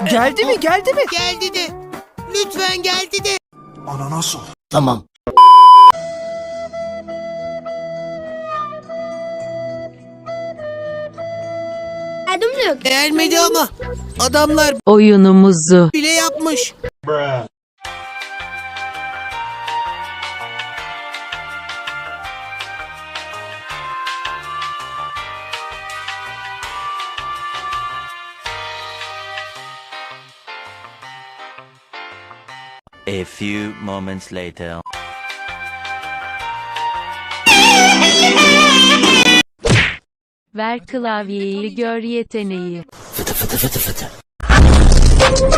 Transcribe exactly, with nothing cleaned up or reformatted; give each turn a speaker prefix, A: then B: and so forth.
A: Geldi mi geldi mi?
B: Geldi de. Lütfen geldi de.
C: Ananas ol.
A: Tamam.
D: Adımlık.
B: Gelmedi ama. Adamlar
E: Oyunumuzu
B: bile yapmış.
F: A few moments later.
E: ver klavyeyi gör yeteneği.
A: Fıtı fıtı fıtı fıtı.